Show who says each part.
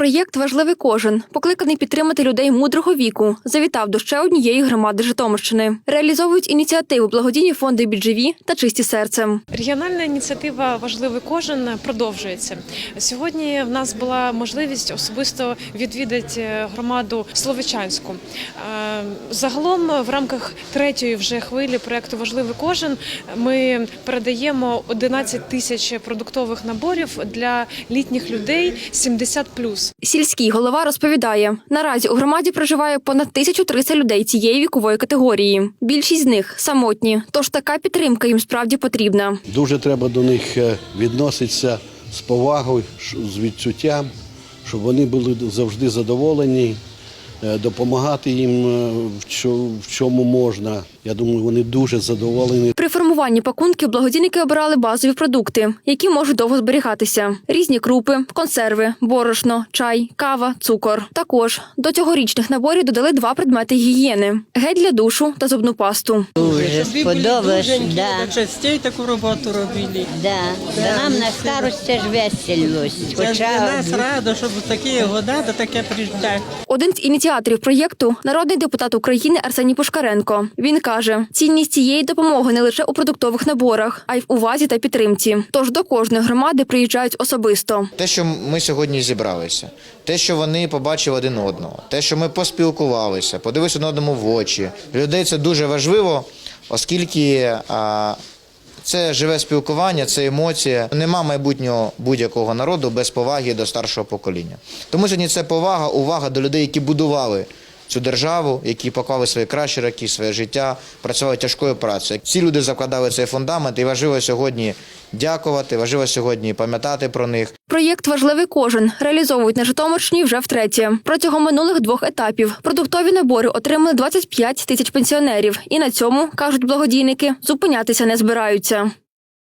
Speaker 1: Проєкт «Важливий кожен», покликаний підтримати людей мудрого віку, завітав до ще однієї громади Житомирщини. Реалізовують ініціативу благодійні фонди «Біджеві» та «Чисті серцем».
Speaker 2: Регіональна ініціатива «Важливий кожен» продовжується. Сьогодні в нас була можливість особисто відвідати громаду Словечанську. Загалом в рамках третьої вже хвилі проєкту «Важливий кожен» ми передаємо 11 тисяч продуктових наборів для літніх людей 70+.
Speaker 1: Сільський голова розповідає, наразі у громаді проживає понад 1300 людей цієї вікової категорії. Більшість з них – самотні, тож така підтримка їм справді потрібна.
Speaker 3: Дуже треба до них відноситися з повагою, з відчуттям, щоб вони були завжди задоволені, допомагати їм в чому можна. Я думаю, вони дуже задоволені.
Speaker 1: При формуванні пакунків благодійники обирали базові продукти, які можуть довго зберігатися. Різні крупи, консерви, борошно, чай, кава, цукор. Також до цьогорічних наборів додали 2 предмети гігієни – гель для душу та зубну пасту.
Speaker 4: Дуже сподобалось, да.
Speaker 5: Частей таку роботу робили.
Speaker 4: Да. Нам на старості ж веселось.
Speaker 5: Це для нас радо, щоб в такі года до таке приїжджати.
Speaker 1: Один з ініціаторів проєкту – народний депутат України Арсеній Пушкаренко. Він каже, цінність цієї допомоги не лише у продуктових наборах, а й в увазі та підтримці. Тож до кожної громади приїжджають особисто.
Speaker 6: Те, що ми сьогодні зібралися, те, що вони побачили один одного, те, що ми поспілкувалися, подивилися один одному в очі. Для людей це дуже важливо, оскільки це живе спілкування, це емоція. Нема майбутнього будь-якого народу без поваги до старшого покоління. Тому сьогодні це повага, увага до людей, які будували цю державу, які поклали свої кращі роки, своє життя, працювали тяжкою працею. Ці люди закладали цей фундамент і важливо сьогодні дякувати, важливо сьогодні пам'ятати про них.
Speaker 1: Проєкт «Важливий кожен» реалізовують на Житомирщині вже втретє. Протягом минулих 2 етапів продуктові набори отримали 25 тисяч пенсіонерів. І на цьому, кажуть благодійники, зупинятися не збираються.